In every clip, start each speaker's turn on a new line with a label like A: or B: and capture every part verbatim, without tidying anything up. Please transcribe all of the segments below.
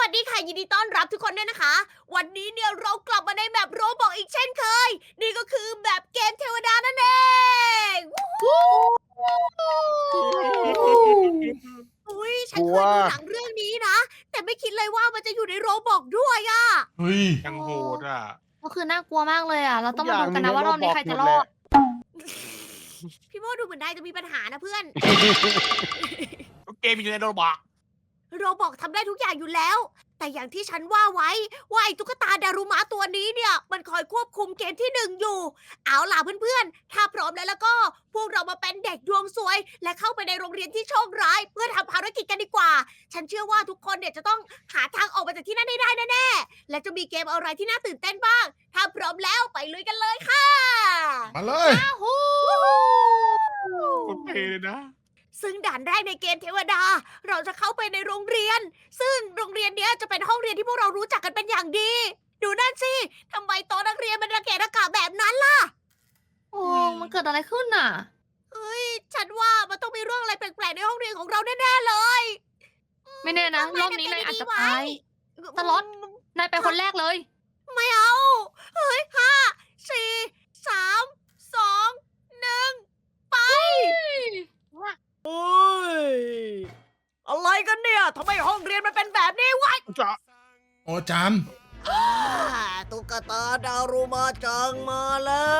A: วัสดีค่ะยินดีต้อนรับทุกคนด้วยนะคะ วันนี้เนี่ยเรากลับมาในแมปโรบอกอีกเช่นเคย นี่ก็คือแมปเกมเทวดานั่นเองวู้ฮู้อุ้ยฉันเคยดูหนังเรื่องนี้นะ แต่ไม่คิดเลยว่ามันจะอยู่ในโรบอกด้วยอะ
B: เฮ้ย
C: ยังโหดอ่ะ
D: ก็คือน่ากลัวมากเลยอ่ะ เราต้องมาดูกัน
E: ทุ
D: นะ
E: กอย่าง
D: ว่ารอบนี้ใครจะรอด
A: พี่โมดูเหมือนนายจะมีปัญหานะเพื่อน
C: เกมอยู่ในโรบอก
A: โรบอกทำได้ทุกอย่างอยู่แล้ว แต่อย่างที่ฉันว่าไว้ว่าไอ้ตุ๊กตาดารุมะตัวนี้เนี่ย มันคอยควบคุมเกมที่หนึ่งอยู่ เอาล่ะเพื่อนๆ ถ้าพร้อมแล้วแล้วก็ พวกเรามาเป็นเด็กดวงสวย และเข้าไปในโรงเรียนที่โชคร้าย เพื่อทำภารกิจกันดีกว่า ฉันเชื่อว่าทุกคนเนี่ยจะต้องหาทางออกมาจากที่นั่นให้ได้แน่ๆ และจะมีเกมอะไรที่น่าตื่นเต้นบ้าง ถ้าพร้อมแล้วไปลุยกันเลยค่ะ
B: มาเลย
A: ฮู้
C: โอเคเลยนะ
A: ซึ่งด่านแรกในเกมเทวดา เราจะเข้าไปในโรงเรียน ซึ่งโรงเรียนเนี้ยจะเป็นห้องเรียนที่พวกเรารู้จักกันเป็นอย่างดี ดูนั่นสิทำไมโต๊ะนักเรียนมันระเกะระกะแบบนั้นล่ะ
D: โอ้ มันเกิดอะไรขึ้นน่ะ
A: เฮ้ย ฉันว่ามันต้องมีเรื่องอะไรแปลกๆในห้องเรียนของเราแน่ๆเลย
D: ไม่แน่นะ รอบนี้นายอาจจะตาย ตลอด นายไปคนแรกเลย
A: ไม่เอา เฮ้ยห้าสี่สามสองหนึ่งไปโอ้ยอะไรกันเนี่ยทำไมห้องเรียนมันเป็นแบบนี้วะ
C: จะ
B: โอ้จาน
A: อ่าตุ๊กตาดารุมาจังมาแล้ว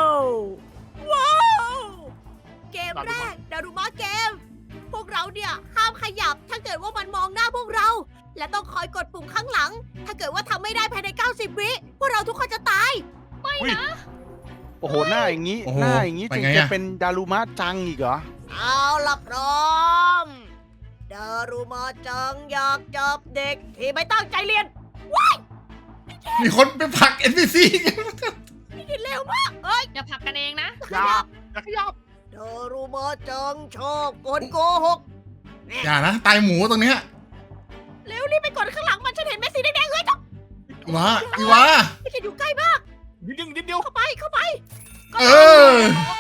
A: ว้าว เกมแรกดารุมาเกม พวกเราเนี่ยห้ามขยับถ้าเกิดว่ามันมองหน้าพวกเรา และต้องคอยกดปุ่มข้างหลัง ถ้าเกิดว่าทำไม่ได้ภายใน เก้าสิบ วิ พวกเราทุกคนจะตาย
E: โอ้โห หน้าอย่างนี้
B: โอ้โห
E: หน้าอย่างนี้
B: ไป
E: ถึง
B: ไง
E: จะ
B: อะ
E: เป็นดารุมะจังอีกเหรอ
A: เอาล่ะพร้อม ดารุมาจังอยากจับเด็กที่ไม่ตั้งใจเรียน
B: มีคนไปผลัก เอ็น พี ซี
A: นี่กินเร็วมากเอ้ย
D: อย่าผลักกันเองนะ
C: อยาอย่าขยับ
A: ดารุมาจังชอบกดโกหก
B: อย่านะ ตายหมูตรงเนี้ย
A: เร็วรีบไปกดข้างหลังมันฉันเห็นแม่สีแดงๆเฮ้ย
B: อีวะอีวะ
A: ไม่ใช่อยู่ใกล้มาก
C: นิดเดียวนิดเดียว
A: เข้าไปเข้าไป
B: เออ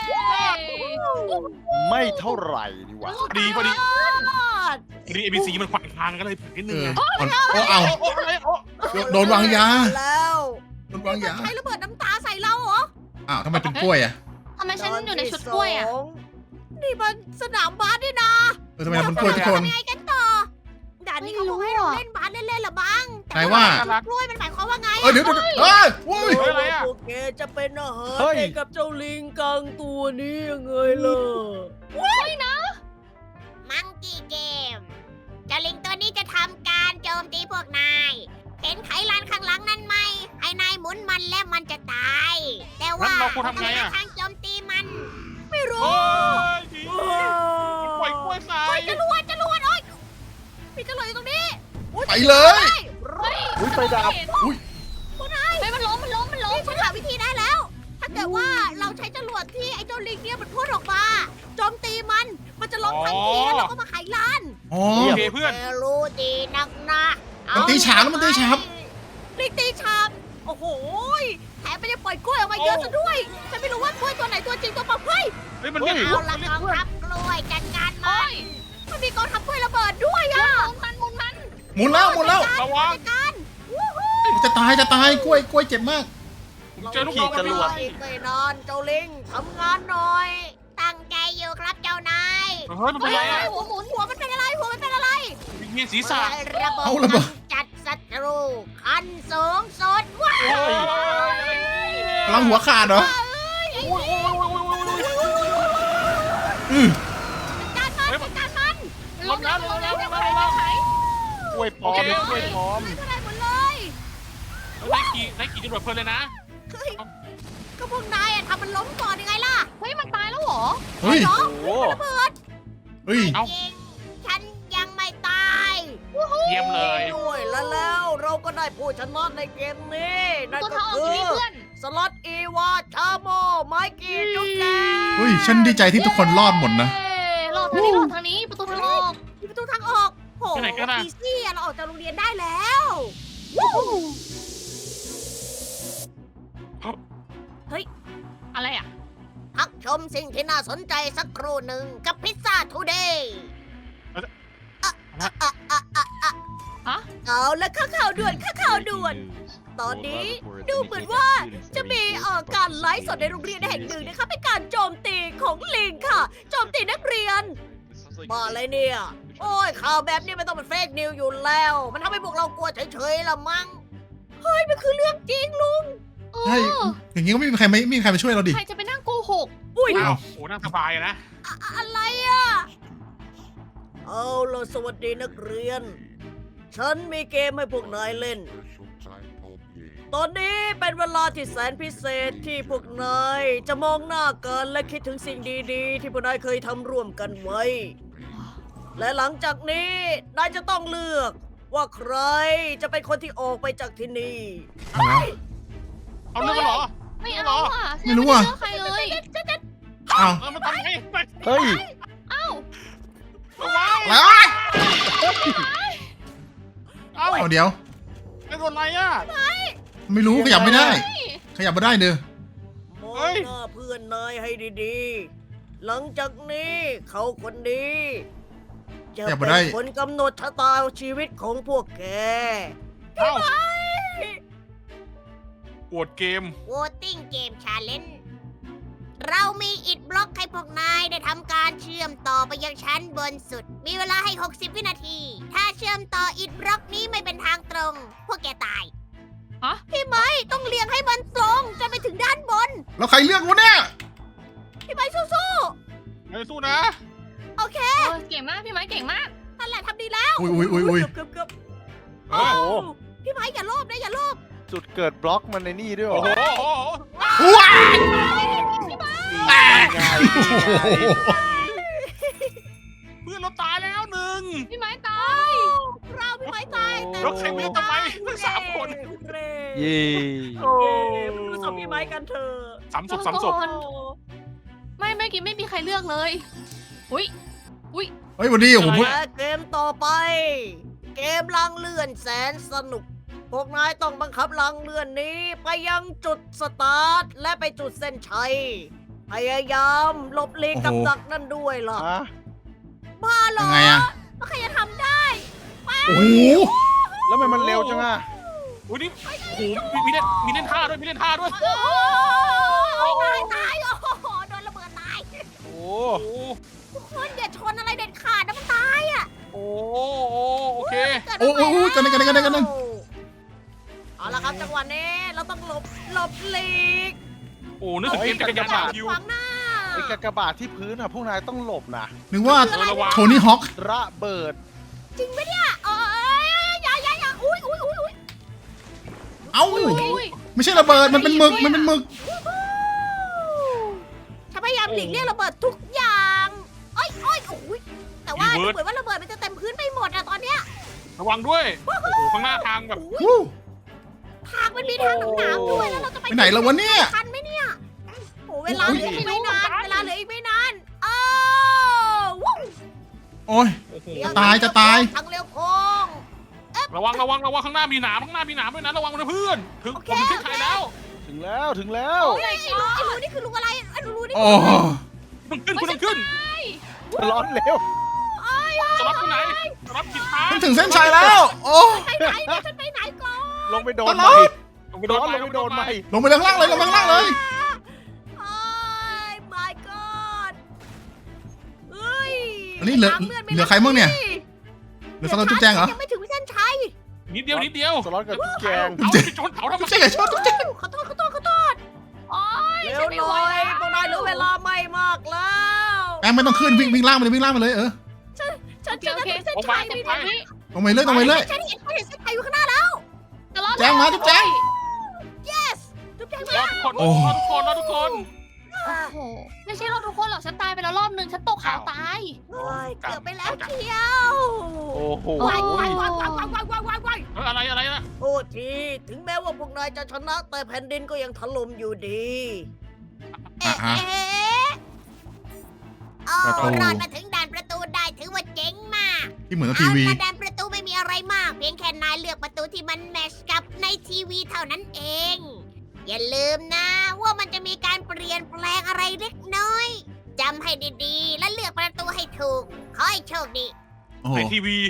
E: ไม่เท่าไหร่ดีวะ
C: พอดีพอดี
A: รอด
C: พอดีเอพีซีมันขวางทางกันเลยนิดนึ
B: เอง อ
C: ไง
B: อ่อนโอ้เอา
C: โอ้อะไรโอ้
B: โดนวางยา
A: แล้ว
B: โดนวางยา
A: ใช้ระเบิดน้ำตาใส่เราเหรอ
B: อ้าวทำไมเป็นกล้วยอ่ะ
D: ทำไมฉันอยู่ในชุดกล้วยอ่ะ
A: ตนที่สงนี่มันสนามบาสนี่นะ
B: เออทำไมทำเป็นกล้วยทุกคน
A: ทำยังไงกันต่อด่านนี้เขาบอกให้เราเล่นบาสเล่นๆเหรอบ้าง
B: ใครว่า
A: ชุดกล้วยมันหมายความว่าไง
B: เออเดี๋ยวเดี๋ยวเฮ้ยโว้ย
C: เฮ้ยอะไรอ่ะ
A: โอเคจะเป็นอาหาร
E: เฮ้ย
A: ให้กับเจ้าลิงกังตัวนี้ยังไงล่ะว้ายนะ มังกี้เกม เจ้าลิงตัวนี้จะทำการโจมตีพวกนาย เห็นไขลานข้างหลังนั่นไหมให้นายหมุนมันและมันจะตาย แต่ว่า
C: งั้นเราควรทำไงอะ
A: ทางโจมตีมัน ไม่รู้
C: โอ้ยดีปล่อยกล้วยใส่
A: เฮ้ยจรวดจรวดโอ๊ยมีจรวดอยู่ตรงนี้อุ๊
B: ไปเลย
D: เฮ้ย
E: อุ้ยไฟดับ
B: อุ้ย
D: ไม่มันล้ม มันล้ม มันล้ม
A: นี่ฉันหาวิธีได้แล้ว ถ้าเกิดว่าเราใช้จรวดที่ไอ้เจ้าลิงเนี่ยมันพ่นออกมาโจมตีมัน มันจะล้มทันทีแล้วเราก็มาไขลาน
B: อ๋อ
C: โอเคเพื่อน
A: แกรู้ดีนักนะ
B: มันตีฉาบแล้วมันตีฉาบ
A: ลิงตีฉาบโอ้โหยแถมมันยังปล่อยกล้วยออกมาเยอะซะด้วย ฉันไม่รู้ว่ากล้วยตัวไหนตัวจริงตัวปลอมเฮ้ย
C: เฮ้ยมันเรียก
A: เอาละกองทัพกล้วยจัดการมันมันมีกองทัพกล้วยระเบิดด้วยอะ
D: มันมุนมัน
B: หมุนแล้วหมุนแล้ว
C: ระวัง
A: จัดการวู้ฮู้
B: จะตายจะตายกล้วยกล้วยเจ็บมาก
C: เจอลูกน้อง
E: ขี่จรวด
A: อีกไม่นานเจ้าลิงทำงานหน่อย ตั้งใจอยู่ครับเจ้านาย
C: เฮ้ยมันเป็นไรอ่ะ
A: หัวหมุนหัวมันเป็นอะไรหัวมันเป็นอะไร
C: มีศีรษะ
A: ระเบิด
B: เอาระเบิด
A: จัดศัตรูคันสูงสุดว้า
C: โอ้
A: วย
B: พลังหัวขาดเหรอ อือ
A: จัดการมันจัดการมัน
C: ล้มแล้วล้มแล้วล้มแล้วล้มแล้ว
E: กล้วยปลอม
C: โอเค
E: กล้วยปลอม
A: ไม่เป็นไรหมดเลย
C: ไล่ขี่ไล่ขี่จรวดเพลินเลยนะ
A: เฮ้ยก็พวกนายอะทำมันล้มก่อนยังไงล่ะ
D: เฮ้ย มันตายแล้วเหรอ
B: เฮ้ย
A: เหรอ
E: โอ้โห
A: ระเบิด
B: เฮ้ย
C: เอ้า
A: จริงฉันยังไม่ตาย
C: เยี่ยมเลย
A: ด้วยแล้วแล้วเราก็ได้ผู้ชนะในเกมนี้นั่น
D: ตัว
A: ก็
D: ทอง
A: คื
D: อยู่นี่
A: อ
D: เพื่อน
A: สล็อตอีวาชาโมไมกี้จุ๊บแจง
B: เฮ้ย ฉันดีใจที่ทุกคนรอดหมดนะ
D: เย้รอดทางนี้รอดทางนี้ ประตูทางออก
A: มีประตูทางออกโห
C: ไปไหนกันอะ
A: อีซี่อะเราออกจากโรงเรียนได้แล้ว
D: อะไรอ่ะ
A: พักชมสิ่งที่น่าสนใจสักครู่หนึ่งกับพิซซ่าทูเดย์เอาและข้าข่าวด่วนข้าข่าวด่วน ตอนนี้ดูเหมือนว่าจะมีเอ่อการไลฟ์สดในโรงเรียนแห่งหนึ่งนะคะเป็นการโจมตีของลิงค่ะ โจมตีนักเรียนมาอะไรเนี่ย โอ้ยข่าวแบบนี้ไม่ต้องเป็นเฟกนิวอยู่แล้ว มันทำให้พวกเรากลัวเฉยๆละมั้งเฮ้ยมันคือเรื่องจริงลุง
D: เอ
B: ใช่
D: อ
B: อย่างงี้ก็ไม่มีใครไม่ไม่มีใครมาช่วยเราดิ
D: ใครจะไปนั่งโกหก
A: อุ้ย
C: อ้าวโอ้นั่งสบายอะนะ
A: อะอะไรอ่ะเอาล่ะสวัสดีนักเรียน ฉันมีเกมให้พวกนายเล่น ตอนนี้เป็นเวลาที่แสนพิเศษที่พวกนายจะมองหน้ากันและคิดถึงสิ่งดีๆ ที่พวกนายเคยทำร่วมกันไว้ และหลังจากนี้นายจะต้องเลือกว่าใครจะเป็นคนที่ออกไปจากที่นี่
B: เอาวะ
C: เอาเรื่องกันเหรอ
D: ไม่เอาอ่ะ
B: ไม่รู้อะ
D: ฉันไม่ได้เลือกใครเลย
B: อ้าว
C: เออมันทำไงไป
E: เฮ้ย
D: เอ้า
C: เอาไว้
B: แล้ว
C: เอา
B: เอาเดี๋ยว
C: ไม่โดนอะไรอ่ะ
B: ไม่รู้ขยับไม่ได้ ขยับไม่ได้เด้อ
A: มอ
C: เฮ้
A: ง
C: ย
A: หน้าเพื่อนนายให้ดีๆ หลังจากนี้เขาคนนี้จะ
B: อย่ามา
A: เป็
B: ได้
A: นคนกำหนดชะตาชีวิตของพวกแก
C: เอ้าปวดเกม
A: Voting Game Challenge เรามีอิฐบล็อกให้พวกนายได้ทำการเชื่อมต่อไปยังชั้นบนสุด มีเวลาให้ หกสิบ วินาที ถ้าเชื่อมต่ออิฐบล็อกนี้ไม่เป็นทางตรง พวกแกตาย
D: ฮะ
A: พี่ไม้ต้องเลี้ยงให้มันตรงจนไปถึงด้านบน
B: แล้วใครเลือกวะเนี่ย
A: พี่ไม้สู้
C: ไม่สู้นะ
A: ๆ โอเค
D: เออเก่งมากพี่ไม้เก่งมาก
A: นั่นแหละทำดีแล้ว
B: อุ้ยอุ้ยอุ้ยอุ้ย
A: เกือบเกือบ
C: เฮ้ย
E: โอ้โห
A: พี่ไม้อย่าโลภนะอย่าโลภ
E: จุดเกิดบล็อกมันในนี่ด้วยเหร
C: โอ้
E: อ
C: โหโอ้โห
B: ว้าย
E: แตกไง
C: เพื่อนเราตายแล้วหนึ่ง
D: พี่ไม้ตาย
A: เราพี่ไม้ตายแต่
C: แล้วใครไม่รู้ทำไมทั้งสามคน
A: เร่
E: เย่
A: โอ้ดูศพพี่ไม้กันเถอะ
C: สามศพสามศพ
D: คน ไม่เมื่อกี้ไม่มีใครเลือกเลย อุ้ยอุ้ย
B: เฮ้ยวันนี้ผมพูด
A: และเกมต่อไป เกมลังเลื่อนแสนสนุก พวกนายต้องบังคับลังเลื่อนนี้ไปยังจุดสตาร์ทและไปจุดเส้นชัย พยายามหลบหลีกกับดักนั่นด้วยล่ะ
E: ฮะ
A: บ้าเหร
B: ยั
A: อง
B: ไงอะ
A: ว่าใครจะทำได้
B: โอ้โห
E: แล้วทำไมมันเร็วจังอะ
C: อุ้ยนี่โอ้โหมีมีเล่นมีเล่นท่าด้วยมีเล่นท่าด้วย
A: โอ้โหตายตายโอ้โหโดนระเบิดตาย
E: โอ้
C: โอ้
A: ทุกคนอย่าชนอะไรเด็ดขาดนะมันตายอ่ะ
C: โอ้โอเค
A: เกิด
B: โอ้
A: อะไร
B: โหกันเลยกันเลยกันเลยกันเลย
A: เอาละครับจังหวะนี้เราต้องหลบหลบหลีก
C: โอ้นึกถึงเกมจักรยานดาวคิว
A: ขวางหน้า
E: ไอ้กากบาทที่พื้นอะพวกนายต้องหลบนะ
B: นึกว่า
C: เออระวัง
B: โทนี่ฮอค
E: ระเบิด
A: จริงไหมเนี่ยเอ้ยอย่าอย่าอย่าอุ้ยอุ้ยอุ้ยอุ้ย
B: เอ้า
D: อุ้ย
B: ไม่ใช่ระเบิดมันเป็นหมึกมันเป็นหมึก
A: ฉันพยายามหลีกเลี่ยงระเบิดทุกอย่างเอ้ยเอ้ยโอ้ยแต่ว่า
C: รี
A: ดู
C: เวิร์ส
A: เหมือนว่าระเบิดมันจะเต็มพื้นไปหมดอะตอนเนี้ย
C: ระวังด้วย โอ้โหข้างหน้าทางแบบ
B: วู้
A: ทางมันมีทางหนามๆด้วยแล้วเราจะไป
B: ไปไหนแล้ววะเนี่ย
A: ทันไหมเนี่ยโอ้เวลาเหลืออีกไม่นานเวลาเหลืออีกไม่นานเอ้าวู้
B: โอ้ย
C: โอ้โห
B: จะตายจะตาย
A: ทางเร็วโค้ง
C: ระวังระวังระวังข้างหน้ามีหนามข้างหน้ามีหนามด้วยนะระวังนะเพื่อนถึงผมถึงเส้นชัยแล้ว
E: ถึงแล้วถึงแล้ว
A: เฮ้ยไอ้รูไอ้รูนี่คือรูอะไรไอ้รูนี่
B: โอ้
C: คุณขึ้นคุณต้องขึ้น
E: ร้อนเร็ว
C: จะรับที่ไหนจะรับผิดทาง
B: ฉันถึงเส้นชัยแล้ว โอ้
A: ไปไหนเนี่ยฉันไปไหนก่อน
E: ลงไปโด
B: ต
E: น
B: ล
E: ไหม
B: อด
C: ลงไปโด
E: ร้
C: น
E: อน
C: ไป
E: ลงไปโดนไหม
B: ลงไปข้างล่างเลยลงไปข้างล่างเลย
A: โอ้ย my god เฮ้ย
B: อันนี้เหลือ
A: ตามพื่นไม่
B: เหลือใครบ้างเนี่ย เหลือสกอตจุ๊บแจงเหรอ
A: ยังไม่ถึงเส้นชัย
C: นิดเดียวนิดเดียว
E: สล็อตกับจุ๊บแจง
C: เอาไปชนเขาทำไม
B: จุ๊บแจงอย่าชนจุ๊บแจง
A: ขอโทษขอโทษขอโทษ
D: โอ้ย
A: เร็
D: ฉั
A: วน
D: ไม่
A: ห
D: ไหว
A: น่อย
D: แล้ว
A: พวกนายเหลือเวลาไม่มากแล้ว
B: แอมไม่ต้องขึ้นวิ่งวิ่งล่างไปเลยวิ่งล่างไปเลยเออ
A: ฉัน
D: โอ
A: ฉั
D: เคน โอ
A: จะ
D: เค
A: ถึงเส้น
C: โอ้
A: ชัย
C: ไป
A: ไม่
C: ไป
A: ได้
B: ตรงไปเลยตรงไปเลย
A: ฉันเห็นฉันเห็นเส้นชัยอยู่ข้างหน้าแล้ว
D: ตลอด
B: แจ้งมาจุ๊บแจ้ง
A: yes จุ๊บแจง
C: ร
A: มา
C: อทุกคน
B: โอ้
C: รอทุกคนรอทุกคน
D: โอ้โหไม่ใช่เราทุกคนหรอกฉันตายไปแล้วรอบนึงฉันตกเขาตาย
A: เฮ้ยเกือบไปแล้วเชียว
E: โอ้โห
A: วายวายวายวายวายวายวายวายวาย
C: เอออะไรอะไรนะ
A: โทษที ถึงแม้ว่าพวกนายจะชนะ แต่แผ่นดินก็ยังถล่มอยู่ดี
B: อ่ะ
A: เอ๊ะ
B: อ่ะ
A: เอ๊ะเอา
B: ประตู
A: รอดมาถึงด่านประตูได้ถือว่าเจ๋งมาก
B: ที่เหมือนกับ
A: เอา
B: ทีวี
A: ละด่านประตูไม่มีอะไรมาก เพียงแค่นายเลือกประตูที่มันแมชกับในทีวีเท่านั้นเอง อย่าลืมนะ ว่ามันจะมีการเปลี่ยนแปลงอะไรเล็กน้อยจำให้ดีๆ และเลือกประตูให้ถูก ขอให้โชคดี
B: โอ้โห
C: ในทีวี
E: โ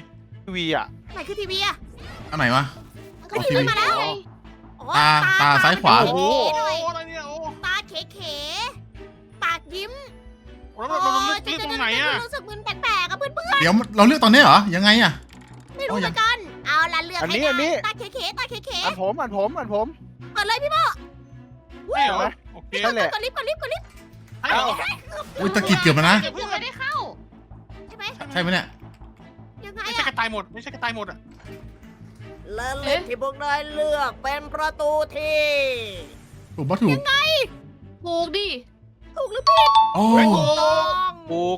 E: ทีวีอ่ะ
A: ไหนคือทีวีอะ
B: อันไหนวะ
A: มันคือทีวีมาแล้วอ๋อ
B: ตาตาซ้ายขวา
A: ต
C: โอ้โห
A: เขๆด้วย
C: อะไรเนี่ยโอ้
A: ตาเขๆปากยิ้ม
C: แล้วเราเราเลือกที่ตรงไหนอะ
A: รู้สึกมึนแปลกๆอะเพื่อน
B: เดี๋ยวเราเลือกตอนนี้เหรอ ยังไงอะ
A: ๆไม่รู้เหมือนกัน เอาละเลือก
E: อัน
A: ให้
E: นี้อันนี้
A: ได้ตาเขๆตาเข
E: อันผมอันผมอันผม
A: ๆเปิดเลยพี่โม
C: ไม่เหรอโอเค
A: พี่
E: นั่นแหละ
A: กดลิฟต์กดลิฟต์กดลิฟต์
C: ให้เหรอ
B: อุ้ยตะกี้เกือบมานะ
D: เกือบไม่ได้เข้า
A: ใช่ไหม
B: ใช่ไหมเนี่ย
A: ยังไง
C: ไม่ใช่
A: อะ
C: กระต่ายหมด ไม่ใช่กระต่ายหมดอ่ะ
A: และเล่นที่พวกนายเลือกเป็นประตูที่
B: ถูกปะถูก
D: ถูกดิ
A: ถูกหรือผิด
B: โอ้
A: ต้อง
E: ปลูก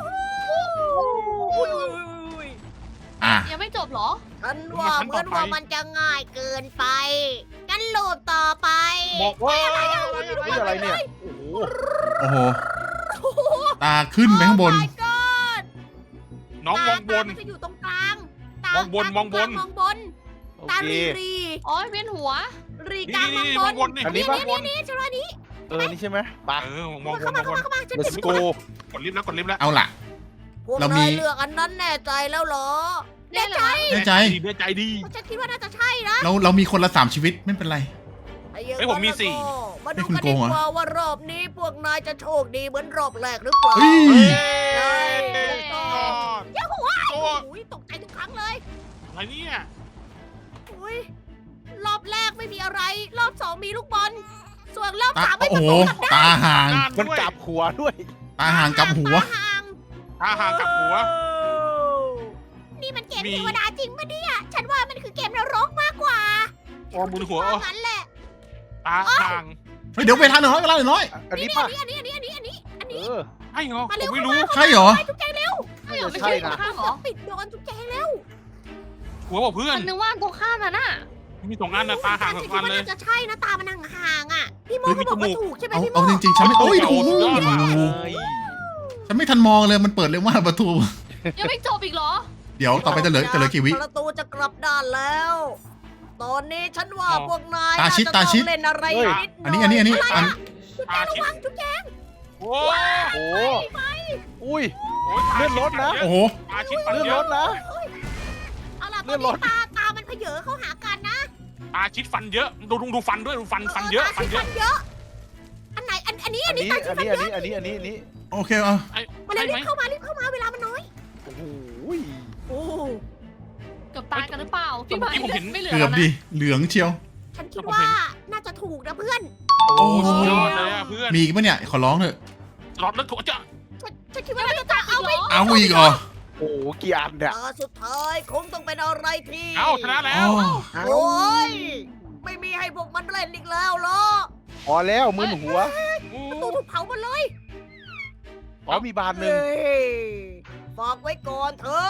A: อุ้ย
B: อ่ะ
D: ยังไม่จบเหรอ
A: ฉันว่าเหมือนว่ามันจะง่ายเกินไปงั้นลูปต่อไป
C: บอกว่าอะไร
E: นี่อะไรเนี่ย โอ้โห
B: โอ้โห
A: โอ้โห
B: ตาขึ้นไปข้างบน
A: Oh my god
C: น้องมองบน
A: ตามันจะอยู่ตรงกลางตาม
C: องบน
A: ตาม
C: องบน
A: มองบน
E: โอ
A: ตา
E: เค
A: รีรี
D: อ๋อเวียนหัว
A: รี
C: นี่
A: กลางม
C: นี่
A: อง
C: มอง
A: บบ น
C: นนี่
E: อันนี้
C: ม
E: ปะ
C: องบน
A: นี่ฉันว่านี้
E: เออ นี่ใช่ไหมไป
C: เออมองบ
A: เข้าน
C: ม
A: มา
C: องบ
A: เข้าน มาเข้ามาฉัน
E: let's
A: เก็บ
E: go
C: กดลิฟต์แล้วกดลิฟต์แล้ว
B: เอาล่ะ
A: พวก
B: เรามี
A: นายเลือกอันนั้นแน่ใจแล้วเหรอ
D: แน่ใจ
B: แน่ใจ
C: ดีแน่ใจดี
A: ฉันคิดว่าน่าจะใช่นะ
B: เราเรามีคนละสามชีวิตไม่เป็นไร
A: ไอ้อย่าง
C: เฮ้ยผมมี
A: นั้น
C: สี่
A: ก็มา
B: ให้
A: ดู
B: คุณ
A: กัน
B: โก
A: ดี
B: งเหรอ
A: กว่าว่ารอบนี้พวกนายจะโชคดีเหมือนรอบแรกหรือเปล่า
B: เฮ้ย
A: ใช่
C: ยอด
A: เจ้าหัว
C: โอ้
A: โอ้ยตกใจทุกครั้งเลย
C: อะไรเนี่ย
A: อุ้ยรอบแรกไม่มีอะไร รอบสองมีลูกบอล ส่วนรอบ
B: ตา
A: สามไม่
B: โอ้
A: ประ
B: โห
A: ตูกลับได้
B: ตาห่าง
C: ด้าน
E: มัน
C: ด้วย
E: กลับหัวด้วย
B: ตาห่างกับหัว
A: ห่าง
C: ตาห่างกับหัว
A: นี่มันเกม
C: มี
A: เทวดาจริงปะเนี่ย ฉันว่ามันคือเกมนรกมากกว่า
C: โอ้มุนหัว
A: เพราะงั้นแหละ
C: ตาห่าง
B: เฮ้ยเดี๋ยวเวลาหน่อยเวลาหน่อย
E: อันนี้
A: นี่
E: ป่ะ
A: อันนี้อันนี้อันนี้อันนี้อัน
E: เอ
A: นี้
E: อ
C: ใช่เหรอ
A: มา
C: ผ
A: เร็ว
C: มไม่รู้
B: ใช่เหรอ
A: ไปทุกแกเร็ว
D: ไม่เหรอไม่
E: ใช่
D: ใช่ตร
E: นะ
D: งข้ามเหรอ
A: ปิดโดนทุกแกเร็ว
C: หัวบอกเพื่อน
D: มันนึกว่าตรงข้ามน่ะน่ะ
C: มีสองอันนะตาห่างสองอันเลย
A: ฉัคิดว่าน่าจะใช่นะตามันห่างๆอ่ะ พี่โม
C: เฮ้ย
A: เขาบอก
C: มี
A: ว่า
C: จมูก
A: ถูกใช่ไหม
B: เอา
A: พี่โม
B: เอาจริงๆฉันไม่โอ้ย
C: โอ้
B: โอ้
C: โห
B: โห
C: สุดยอดว่ะ
E: เฮ้ย
B: ฉันไม่ทันมองเลยมันเปิดเร็วมากประตู
D: ยังไม่จบอีกเหรอ
B: เดี๋ยวต่อไปจะเหลือจะเหลือกี่วิ
A: ประตูจะกลับด้านแล้ว ตอนนี้ฉันว่า
C: อ๋อ
A: พวกนาย
B: ตาชิด
A: น่จะ
B: ตาชิด
A: องเล่นอะไร
E: เฮ้ย
A: นิดห
B: อันนี้อันนี้อันนี้อัน
A: จุ๊บแจระวังจุ๊บแจ
C: โอ้
E: โอ้อุ้ย
C: โหตา
E: เลื่อนรถนะ
B: โอ้โห
C: ตาชิดฟัน
E: เลื่อน
C: เย
E: ร
C: อะ
E: ถนะ
A: เอาล่ะต
E: เลื่
A: อ
E: อน นร
A: นี้
E: ถ
A: ตาตามันเผยอเข้าหากันนะ
C: ตาชิดฟันเยอะ ดูดูดูฟันด้วยดูฟันฟันเยอะ
A: ตา
C: ฟัน
A: ชิด
C: เยอะ
A: อันไหนอันอันนี้
E: อั
A: อั
E: น
A: นนี้
E: นี้
A: ตาชิ
E: อั
A: ด
E: น
A: ฟัน
E: นี้
A: เย
E: อัน
A: อะ
E: นี้อันนี้อันนี้อันนี้
B: โอเคเอา
A: มาเร็ว
C: ใช่ไหม
A: รีบเข้ามารีบเข้ามาเวลามันน้อย
E: โอ้โห
A: โอ้
D: เกือบตายกันหรือเปล่า พี่
C: เมื่
D: ไม้
C: อกี้ผมเห็น
D: ไม่เหลือ
B: เกื
D: แล้
B: อบ
D: วนะ
B: ดิเหลืองเชียว
A: ฉันคิดว่าน่าจะถูกนะเพื่อน
B: โอ้
C: สุดยอดเลยอะเพื่อน
B: มีอีกปะเนี่ยขอร้องเถอะ
C: หลอดแล้วถูกจะ
A: ฉันฉันคิดว่าน่าจะเอาไป
B: เอาอีกเหรอ
E: โอ้โหกี่อันเนี่ย
A: ตาสุดท้ายคงต้องเป็นอะไรที่
C: เอ้าชนะแล้
B: อ๋
C: ว
B: อ
E: เอา
A: โอ้ยไม่มีให้พวกมันเล่นอีกแล้วเหรอ
E: พอแล้วมึนหัว
A: ประตูถูกเผาหมดเลย
E: อ๋อมีบานหนึ่ง
A: เฮ้ยฝากไว้ก่อนเถอะ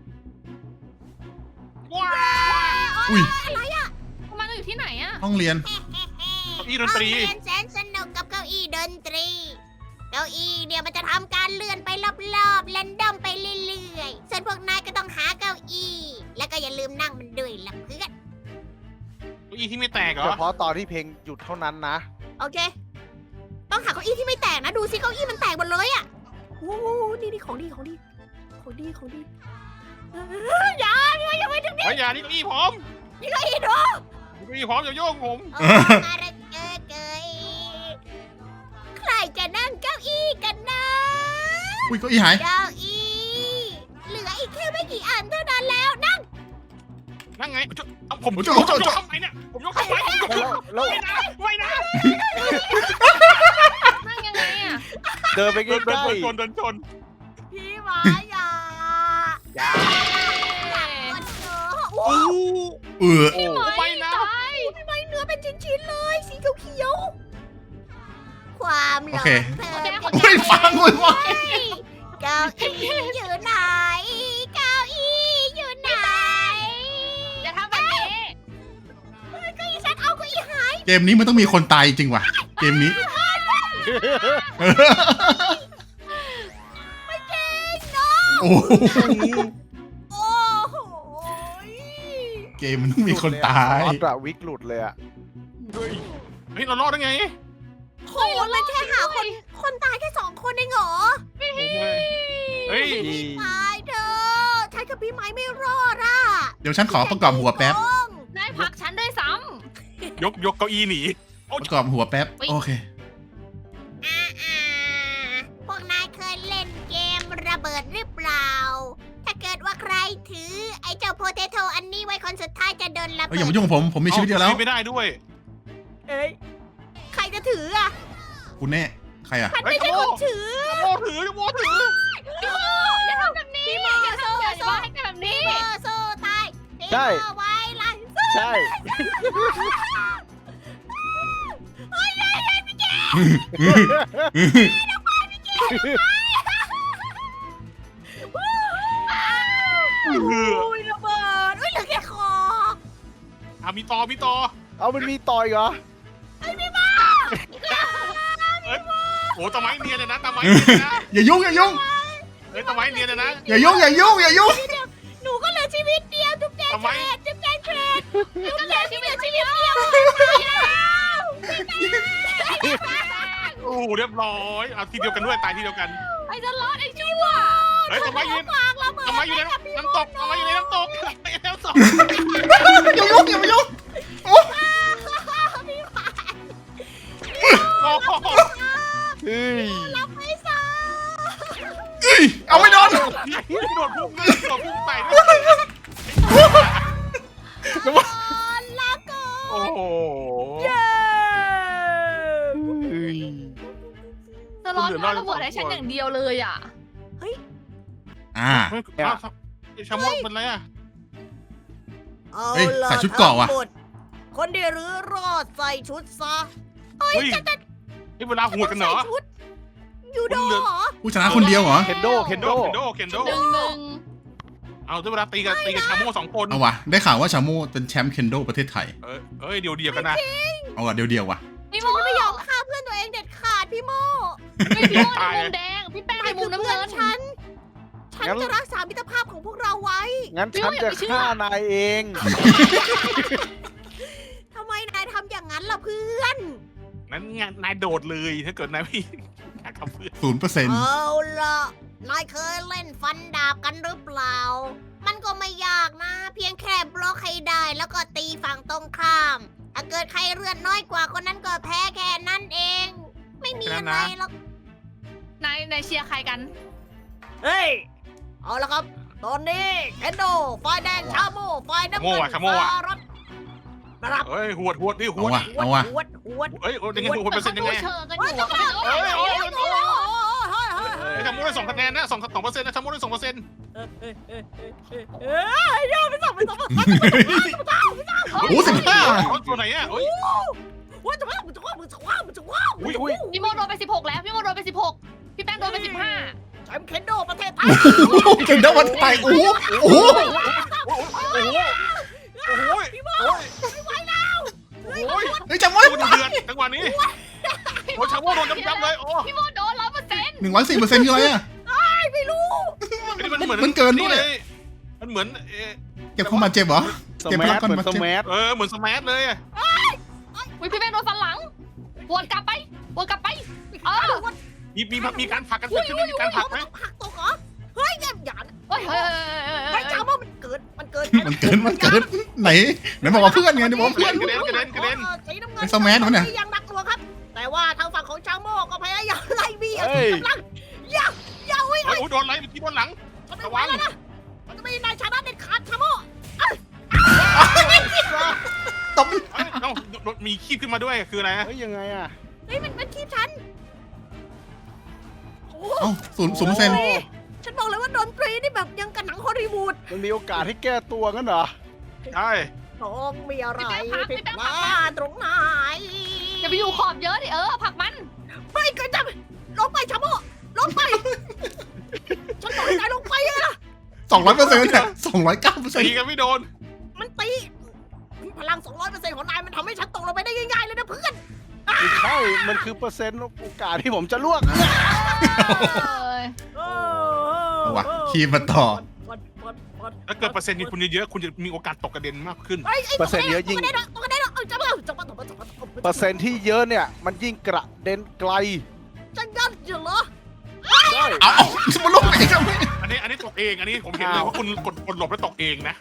C: ว้า
B: อุ้ย
A: อะไรอ่ะ
D: ทำไมเราอยู่ที่ไหนอะ
B: ห้องเรียน
C: เก้าอี้ดนตรี
A: ห้องเรียนแสนสนุกกับเก้าอี้ดนตรี เก้าอี้เนี่ยมันจะทำการเลื่อนไปรอบๆแรนดอมไปเรื่อยๆส่วนพวกนายก็ต้องหาเก้าอี้ แล้วก็อย่าลืมนั่งมันด้วยล่ะเพื่อน
C: เก้าอี้ที่ไม่แตกเหร
E: เฉ
C: อ
E: พาะตอนที่เพลงหยุดเท่านั้นนะ
A: โอเค ต้องหาเก้าอี้ที่ไม่แตกนะ ดูสิเก้าอี้มันแตกหมดเลยอ่ะโอ้โหนี่นี่ของดีของดี ของดีของดีเอ้ยอย่าอย่าอย่าไปถึง
C: เฮ้ยอย่านี่เก้าอี้ผม
A: นี่เก้าอี้ดู
C: เก้าอี้ผมอย่าโยกผม
A: เออมาระเกอเกยใครจะนั่งเก้าอี้กันนะ
B: อุ้ยเก็อีหาย
A: เก้าอี้เหลืออีกแค่ไม่กี่อันเท่านั้นแล้วนั่ง
C: นั่งไงเอาผมยกผมยกทำไมเนี่ยผมยกทำไมผมยก
E: แล้วแล้ว
C: ไม่นะไม่นะ
D: นั่งยังไงอะ
E: เดินไปใก
C: เดิน
E: ล้
C: ชนเดินชน
A: พี่หมาอย่า
E: ๆอย่า
A: คนเถอะ
C: โอ้
B: เออ
E: โอ้
C: ไม่นะ
D: ตาย
A: ทำไมเนื้อเป็นชิ้นๆเลย สีเขียวๆความหล
B: โอง เค
A: เธอ
B: ไม่ฟังเลยว่ะ
A: เก้าอี้อยู่ไหนเก้าอี้อยู่ไหน
D: อย่าทำแบบนี้
A: เก้าอี้ฉันเอาเก้าอี้หาย
B: เกมนี้มันต้องมีคนตายจริงว่ะ เกมนี้
A: ไม่จริงเนาะ
B: โอ้โห
A: โอ้โห
B: เกมมันต้องมีคนตาย
E: รอดอะวิกหลุดเลยอะ
C: เฮ้ยเฮ้ยเรารอดได้ไง
A: โอ้เราเลยแค่หาคนคนตายแค่สองคนเองเหรอ
C: เฮ้ย
A: ตายเธอะฉันกับพี่ไม้ไม่รอดอ่ะ
B: เดี๋ยวฉันขอประกอบหัวแป๊บ
D: นายผลักฉันด้วยซ้
C: ยกยกเก้าอี้หนีโอ้
B: ประกอบหัวแป๊บ โอเค
A: อ่าอ่าพวกนายเคยเล่นเกมระเบิดหรือเปล่า ถ้าเกิดว่าใครถือไอ้เจ้าโพเทโตอันนี้ไว้คนสุดท้ายจะโดนระ
B: เอ้ย
A: เบิ
B: อย่า
A: ด
B: มายุ่งกับผม ผมมีชีวิตเดียวแล้ว
C: ไม่ได้ด้วย
A: เอ้ยใครจะถืออ่ะ
B: คุณแน่ ใครอ่ะ
A: ฉันไม่ใช่คนถือ
C: โมถือโมถือ
D: ำพี่โมอย่าทำแบบนี้
A: พี่โม
D: อย่าทำอย่า
A: สู้
D: ว่าให้กันแบบนี้
A: พี่โมสู้ตายพี่
E: ใช่
A: โมไว้ล่ะ
E: ใช่
C: เออ
A: อุ้ยระเบิดอุ้ยเหลือแค่คอ
C: อ่ะมีต่อมีต่อ
E: เอามันมีต่อยเหรอ
C: โอ้ตะไม้เนียนเลยนะตะไม้เนียนเลยนะ
B: อย่ายุ่งอย่ายุ่ง
C: เฮ้ยตะไม้เนียนเลยนะ
B: อย่ายุ่งอย่ายุ่งอย่ายุ่ง
A: หนูก็เหลือชีวิตเดียวจุ๊บแจง
C: ทำไม
A: เทรดจุ๊บแจงเทรดจุ๊บแจงที่เหลือชีวิตเดียว
C: โอ้โหเรียบร้อยเอาทีเดียวกันด้วยตายทีเดียวกัน
D: ไอ้จะรอดไอ้ชั่ว
C: เฮ้ยตะไม้ยืน
A: ฝากระเบิด
C: ตะไม้อยู่ในน้ำตกตะไม้อยู่ในน้ำตกในน้ำตก
B: อย่ายุ่งอย่ามายุ่ง
A: พี่ฝาก
C: โอ้โห
E: เฮ้ย
A: รับไม่ซะ
B: เอ้ยเอาไม่โดน
C: โดดพุ่งเลยโดดพุ่งใส่ด้วย
A: ลาก่อน
C: โอ้โห
A: เย้
E: เฮ้ย
D: จะรอดเอาระเบิดให้ฉันอย่างเดียวเลยอ่ะ
B: อ่า
C: เฮ้ยอ้าวไอ้ชาโมกเป็นไรอ่ะ
A: เอา
B: เฮ้ย
A: ล่ะ
B: ใส่ชุดเกราะว่ะ
A: ทั้งหมดคนที่รื้อรอดใส่ชุดซะ
C: เฮ้ยนี่เวลาหวดกันเหรอ
A: ใส่ชุดยูโดเหรอ
B: ผู้ชนะคนเดียวเหรอ
E: เคนโด เคนโด
C: เคนโดเคนโด
D: หนึ่งหนึ่ง
C: เอาด้วยเวลาตีกับตีกับชาโมกสองคน
B: เอาวะได้ข่าวว่าชาโมเป็นแชมป์เคนโดประเทศไทย
C: เออเอ้ยเดียวเดียวกันนะ
B: เอาอะเดียวเดียวๆว่ะ
D: พี่โม
A: ฉันจะไม่ยอมฆ่าเพื่อนตัวเองเด็ดขาดพี่โม
D: ไม่พี่โมในมุมแดง พี่แป้งในมุมน้ำ
A: เพื่อ
D: เงิ
A: น
D: น
A: ฉัน ฉัน
E: งั้น
A: จะรักษามิตรภาพของพวกเราไว้
E: งั้นฉันจะฆ่านายเอง
A: ทำไมนายทำอย่างนั้นล่ะเพื่อน
C: นั้นงานนายโดดเลยถ้าเกิดนายพี่กับเพื่อน
B: ศูนย์เปอร์เซ็นต์
A: เอาล่ะ นายเคยเล่นฟันดาบกันหรือเปล่า มันก็ไม่ยากนะ เพียงแค่บล็อกให้ได้แล้วก็ตีฝั่งตรงข้าม ถ้าเกิดใครเลือดน้อยกว่าคนนั้นก็แพ้แค่นั้นเอง ไม่มีอะไรหรอก
D: นายนายเชียร์ใครกัน
A: เฮ้ย เอาละครับ ตอนนี้เคนโดฝ่ายแดงชาโมฝ่ายน้ำเงินสหรัฐนะครับ
C: เฮ้ยหวดหวดดิห
B: เอา
C: วด
B: วะเอาวะ
A: หวดหวด
C: เฮ้ยโอ้ยยังไงหวดเปอร์เซ็นต์ยังไง
D: เชิงกันอยู่อะ
C: เฮ้ยโอ้ย
A: โอ้ยโอ้ยโอ้ยโอ้ย
C: ไอ้ชาโมได้สองคะแนนนะสองสองเปอร์เซ็นต์นะชาโมได้สองเปอร์เซ็นต์
A: เอ้ยเอ้ยเอ้ยเอ้ยเอ้ยยอมไปสองไปสอง
B: โอ้สิบห้า
C: ตัวไหนอ่ะเฮ้ย
A: ว่าจะว่ามันจะว่ามันจะว่ามันจะว่า
C: อุ้ยอุ้ย
D: พี่โมโดนไปสิบหกแล้ว พี่โมโดนไปสิบหกพี่แป้งโดนไปสิบห้า
A: แชมป์เคนโดประเทศไทย
B: เคนโดวันไทยโอ้โหโอ้โห
C: โอ้โหโอ้โหโอ้โหพี่โมไม่ไหวแล้วโอ้ย
B: เฮ้ยจำไว้
C: โดนเดือดจังหวะนี้โอ้ยชาโมโดนยับๆเลยโอ้
D: พี่โมโดนร้อยเปอร์เซ็นต์
B: หนึ่งร้อยสี่เปอร์เซ็นต์คืออะไรอ่ะ
A: ไม่รู้
C: นี่มันเหมือน
B: มันเกินด้วย
C: เลยมันเหมือนเออ
B: เก็บเข้ามาเจ็บเหรอ
E: ส
B: เก็บ
E: แม
B: พลัง
E: ส
B: ก่อน
E: เหมือน
B: มา
E: ส
B: เจ็บ
E: แมส
C: เออเหมือนสมาร์ทเลยอะ
D: อุ้ยพี่แป้งโดนฟันหลังวนกลับไปวนกลับไปเออ
C: มีมีมีการผลักกันเกิดขึ้นไหมมีการผลักไหม
A: ผักตกเหรอเฮ้ยอย่าอย่า
D: เฮ้ยเฮ้ย
A: ไอ้จ้าว่ามันเกิดมันเกิด
B: มันเกินมันเกินไหนไหนบอกว่าเพื่อนไงไหนบอกว่า
C: กระ
B: เพื่อน
C: เด็นกระเด็นกระเด็น
A: สีน้ำเงิ
B: ไอ้สแมสวะเนี่ย
A: ยังหนักหน่วงครับ แต่ว่าทางฝั่งของชาโมก็พยายามไล่เบียด
E: เฮ้ย
A: กำลังอย่าอย่าวิ่ง
C: โอ้ยโดนอะไรเมื่อกี้โดนหลัง
A: ฉันไม่ไหวแล้วนะมันจะไม่นายชนะเด็ดขาดชาโม
B: ตบ
C: เอ้าเอ้ามีคีบขึ้นมาด้วยคืออะไรฮะ
E: เฮ้ยยังไงอ่ะ
A: เฮ้ยมันมันคีบฉันโอ้
B: เอ้าศูนย์ศูนย์เปอร์เซ็นต์
A: ฉันบอกเลยว่าดนตรีนี่แบบยังกับหนังฮอลลีวูด
E: มันมีโอกาสให้แก้ตัวงั้นเหรอ
C: ใช่
A: ต้องมีอะไรผิดมาตรงไหน
D: อย่าไปอยู่ขอบเยอะดิเออผลักมัน
A: ไม่ก็จะลงไปชาโมลงไปฉันบอกให้นายลงไปอะ
B: สองร้อยเปอร์เซ็นต์เนี่ยสองร้อยเก้าเปอร์เซ็น
C: ตี
B: ต์
C: กันไม่โดน
A: มันตีพลัง สองร้อยเปอร์เซ็นต์ ของนายมันทำให้ฉันตกลงไปได้ง่ายๆเลยนะเพื่อน
E: ไม่ใช่ มันคือเปอร์เซ็นต์โอกาสที่ผมจะล่วง
B: เอาวะคีบมาต่อ
C: ถ้าเกิดเปอร์เซ็นต์คุณเยอะๆคุณจะมีโอกาสตกกระเด็นมากขึ้น
E: เปอร์เซ็นต์เยอะยิ่ง
A: ตกกระเด็นตกกระเด็นเอาจับเอาจับเอาจับเอาจับเอา
E: เปอร์เซ็นต์ที่เยอะเนี่ย มันยิ่งกระเด็นไกล
A: จะยัดอยู่เหรอ
E: ใช่
B: เอาเอามันลงไปอีกแล้ว
C: อันนี้อันนี้ตกเองอันนี้ผมเห็นเลยว่าคุณกดกดหลบแล้วตกเองนะ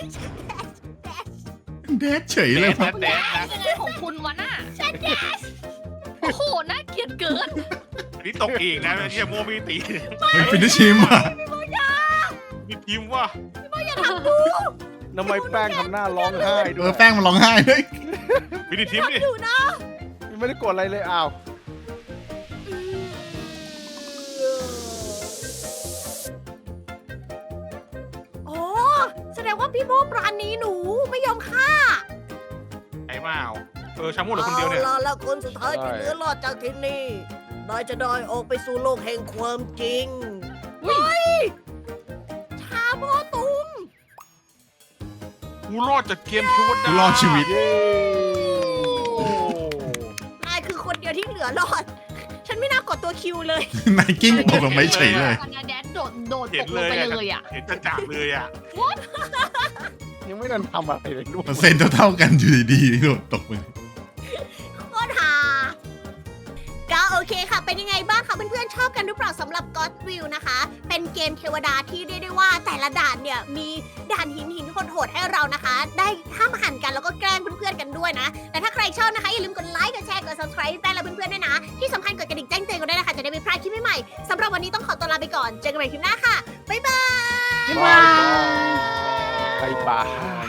B: แดดเฉย
C: แด
B: เลย
C: ด
B: ครับ
C: แดดนะ
D: ยังไงของคุณวะน่ะโอ้โหน่าเกลียดเกิน
C: อันนี้ตกเองนะเยี่ยโมมีตี
B: เฮ้ยฟินิชชิมอ่ะ
C: มีทีมว่า
A: อย่าทำกู
E: ทำไมแป้งทำหน้าร้องไห้
B: เอ
E: ด้ว
B: อย แป้งมันร้องไห้เลย
C: มีทีมดิ
A: อยู่นะ
E: ไม่ได้กดอะไรเลยอ้าว
A: โอ้แสดงว่าพี่โมปราณีหนูไม่ยอมฆ่า
C: ไอ้เปล่าเออชามูเหลือคนเดียวเนี่ย
A: อาล่ะแล้วคนสุดท้ายที่เหลือรอดจากที่นี่นายจะได้ออกไปสู่โลกแห่งความจริงเฮ้ยชาโมตุง
C: กูรอดจากเกมคิวดา
B: กูรอดชีวิต
E: เย้
A: นายคือคนเดียวที่เหลือรอด ฉันไม่น่ากดตัวคิวเลย
B: นายกิ้งตกลงไปเฉยเลย
D: อันนี้แดดโดดโดด
C: เห็
D: ต
C: น
D: ก
C: เล
D: ลง
C: ย
D: ไป
C: อะ
D: เลยอ่ะ
C: เห็นจะจากเลยอ่ะ
E: ยังไม่ทันทำอะไรเลยด้วย
B: เปอร์เซ็นต์เท่าๆกันอยู่ดีๆโดดตกไป
A: โคตรฮาก็โอเคค่ะ เป็นยังไงบ้างคะเพื่อนๆชอบกันหรือเปล่าสำหรับ God Will นะคะ เป็นเกมเทวดาที่เรียกได้ว่าแต่ละด่านเนี่ยมีด่านหินหินโหดๆให้เรานะคะ ได้ห้ามหันกันแล้วก็แกล้งเพื่อนๆกันด้วยนะ แต่ถ้าใครชอบนะคะ อย่าลืมกดไลค์ กดแชร์ กด subscribe แป้งและเพื่อนๆด้วยนะ ที่สำคัญกดกระดิ่งแจ้งเตือนกันด้วยนะคะ จะได้ไม่พลาดคลิปใหม่ๆสำหรับวันนี้ต้องขอตัวลาไปก่อน เจอกันใหม่คลิปหน้าค่ะ บ๊ายบาย
E: บายบายบาย